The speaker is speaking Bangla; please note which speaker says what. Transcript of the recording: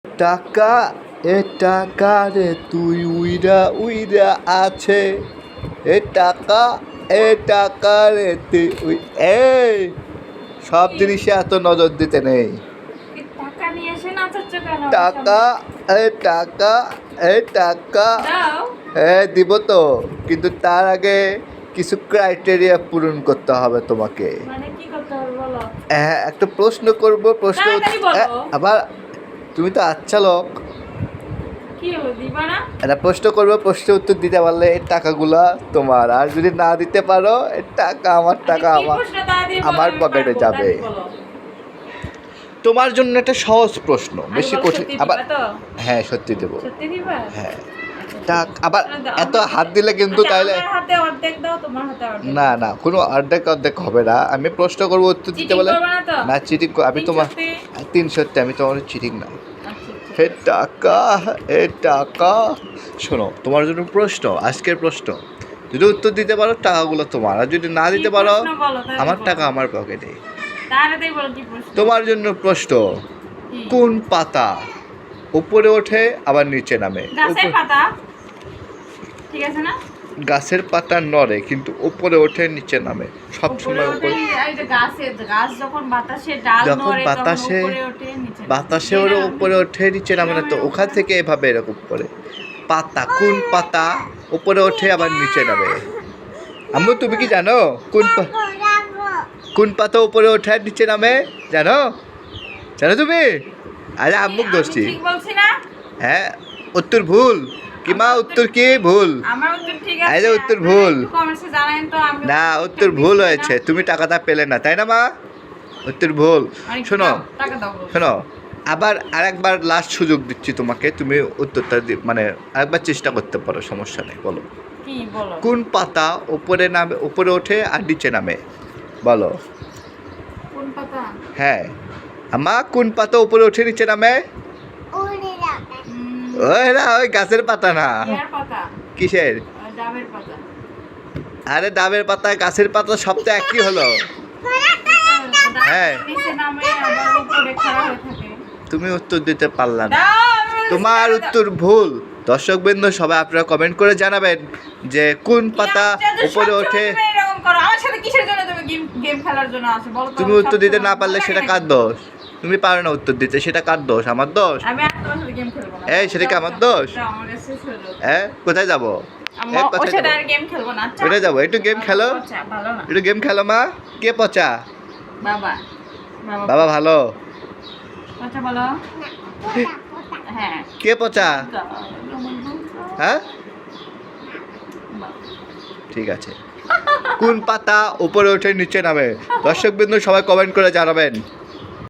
Speaker 1: টাকা এ টাকা রে তুই উইরা উইরা আছে এ টাকা রে তুই এই সব জিনিসে এত নজর দিতে নেই।
Speaker 2: টাকা নিয়ে এসে নাচাচ্ছ কেন?
Speaker 1: টাকা টাকা টাকা
Speaker 2: দাও।
Speaker 1: দিব তো, কিন্তু তার আগে কিছু ক্রাইটেরিয়া পূরণ করতে হবে তোমাকে।
Speaker 2: মানে কি করতে হবে বলো?
Speaker 1: একটা প্রশ্ন করব, প্রশ্ন
Speaker 2: তাড়াতাড়ি বলো।
Speaker 1: আবার তুমি তো আচ্ছা লোক।
Speaker 2: কি হলো, দিবা না?
Speaker 1: একটা প্রশ্ন করবো, প্রশ্নের উত্তর দিতে পারলে এই টাকাগুলা তোমার, আর যদি না দিতে পারো এই টাকা আমার টাকা
Speaker 2: কি
Speaker 1: আমার
Speaker 2: প্রশ্ন তাড়াতাড়ি বলো,
Speaker 1: আমার
Speaker 2: আমি
Speaker 1: পকেটে
Speaker 2: পারবো,
Speaker 1: যাবে।
Speaker 2: তাড়াতাড়ি বলো।
Speaker 1: তোমার জন্য একটা সহজ প্রশ্ন,
Speaker 2: আগে
Speaker 1: বেশি
Speaker 2: বলো,
Speaker 1: কঠিন
Speaker 2: সত্যি
Speaker 1: আবার।
Speaker 2: দিবা তো?
Speaker 1: হ্যাঁ সত্যি দেবো।
Speaker 2: সত্যি দিবা?
Speaker 1: হ্যাঁ
Speaker 2: আচ্ছা,
Speaker 1: আবার
Speaker 2: তাহলে দাও।
Speaker 1: এত হাত দিলে কিন্তু
Speaker 2: আচ্ছা,
Speaker 1: তাইলে
Speaker 2: আমার হাতে অর্ধেক দাও, তোমার হাতে অর্ধেক।
Speaker 1: না না, কোনো অর্ধেক অর্ধেক হবে না। আমি প্রশ্ন করবো, উত্তর দিতে
Speaker 2: চিটিং
Speaker 1: বলে
Speaker 2: করবে না তো?
Speaker 1: না চিটিং আমি
Speaker 2: তিন
Speaker 1: তোমার
Speaker 2: সত্যি?
Speaker 1: 3 সত্যি, আমি তোমার চিটিং না।
Speaker 2: আচ্ছা, আচ্ছা।
Speaker 1: হে টাকা টাকা, শোনো তোমার জন্য প্রশ্ন, আজকের প্রশ্ন। যদি উত্তর দিতে পারো টাকাগুলো তোমার, আর যদি না দিতে
Speaker 2: কি
Speaker 1: পারো
Speaker 2: প্রশ্ন বলো, তাড়াতাড়ি
Speaker 1: আমার
Speaker 2: বলো।
Speaker 1: টাকা আমার পকেটে।
Speaker 2: তাড়াতাড়ি বলো কি প্রশ্ন?
Speaker 1: তোমার জন্য প্রশ্ন,
Speaker 2: কি?
Speaker 1: কোন পাতা উপরে ওঠে আবার নিচে নামে?
Speaker 2: গাছের পাতা। ঠিক আছে না?
Speaker 1: গাছের পাতা নড়ে কিন্তু উপরে ওঠে নিচে নামে সব
Speaker 2: উপরে
Speaker 1: সময়।
Speaker 2: ওঠে,
Speaker 1: উপরে
Speaker 2: এই যে গাছ যখন বাতাসে ডাল
Speaker 1: যখন
Speaker 2: নড়ে, তখন
Speaker 1: বাতাসে
Speaker 2: উপরে ওঠে, নিচে নামে।
Speaker 1: বাতাসে ওর উপরে ওঠে নিচে নামে না তো, ওখান থেকে এভাবে এরকম করে পাতা, কোন পাতা উপরে ওঠে আবার নিচে নামে? আম্মু তুমি কি জানো কোন পাতা উপরে ওঠে আর নিচে নামে? জানো জানো তুমি? আরে আম্মুক
Speaker 2: আমি
Speaker 1: দোষী।
Speaker 2: ঠিক বলছি না?
Speaker 1: হ্যাঁ উত্তর ভুল কি মা? উত্তর কি ভুল?
Speaker 2: আমার উত্তর ঠিক
Speaker 1: এই যে
Speaker 2: আছে।
Speaker 1: উত্তর ভুল।
Speaker 2: কমেন্টসে জানান তো। আমি
Speaker 1: না উত্তর ভুল হয়েছে, তুমি টাকাটা পেলে না, তাই না মা? উত্তর ভুল। শোনো
Speaker 2: টাকা দাও।
Speaker 1: শোনো, আবার আরেকবার লাস্ট সুযোগ দিচ্ছি তোমাকে, তুমি উত্তরটা মানে আরেকবার চেষ্টা করতে পারো, সমস্যা নেই। বলো
Speaker 2: কি বলো?
Speaker 1: কোন পাতা উপরে নামে, উপরে ওঠে আর নিচে নামে? বলো।
Speaker 2: কোন পাতা?
Speaker 1: হ্যাঁ আমা, কোন পাতা উপরে ওঠে নিচে নামে? ওই না, ওই গাছের পাতা না।
Speaker 2: ইয়ার পাতা।
Speaker 1: কিসের?
Speaker 2: ডাবের পাতা।
Speaker 1: আরে ডাবের পাতা গাছের পাতা সব তো একই হলো। হ্যাঁ।
Speaker 2: নিচে নামে আবার উপরে খাড়া হয়ে থাকে।
Speaker 1: তুমি উত্তর দিতে পারলা না,
Speaker 2: দাও, আমি বলছি
Speaker 1: তোমার
Speaker 2: দাও।
Speaker 1: উত্তর ভুল। দর্শকবৃন্দ সবাই আপনারা কমেন্ট করে জানাবেন যে কোন পাতা উপরে ওঠে।
Speaker 2: তুমি এরকম করো আমার সাথে, কিসের জন্য তুমি গেম খেলার জন্য আসো বলো তো?
Speaker 1: তুমি উত্তর দিতে না পারলে সেটা কার দোষ? তুমি পারো না উত্তর দিতে, সেটা কার দোষ? আমার দোষ?
Speaker 2: আমি আর তোমার সাথে গেম খেলবো না।
Speaker 1: এই সেটা কি আমার দোষ?
Speaker 2: দাও, আমার কাছে শেষ হলো।
Speaker 1: হ্যাঁ কোথায় যাবো?
Speaker 2: আমি ওর
Speaker 1: কোথায়
Speaker 2: সাথে
Speaker 1: যাবো?
Speaker 2: আর গেম খেলবো না। আচ্ছা
Speaker 1: কোথায় যাবো? একটু গেম খেলো,
Speaker 2: আচ্ছা, ভালো না।
Speaker 1: একটু গেম খেলো মা। কে পচা?
Speaker 2: বাবা
Speaker 1: বাবা ভালো।
Speaker 2: আচ্ছা বলো। হ্যাঁ।
Speaker 1: কে পচা? হ্যাঁ ঠিক আছে। কোন পাতা উপরে ওঠে নিচে নামে? দর্শকবৃন্দ সবাই কমেন্ট করে জানাবেন।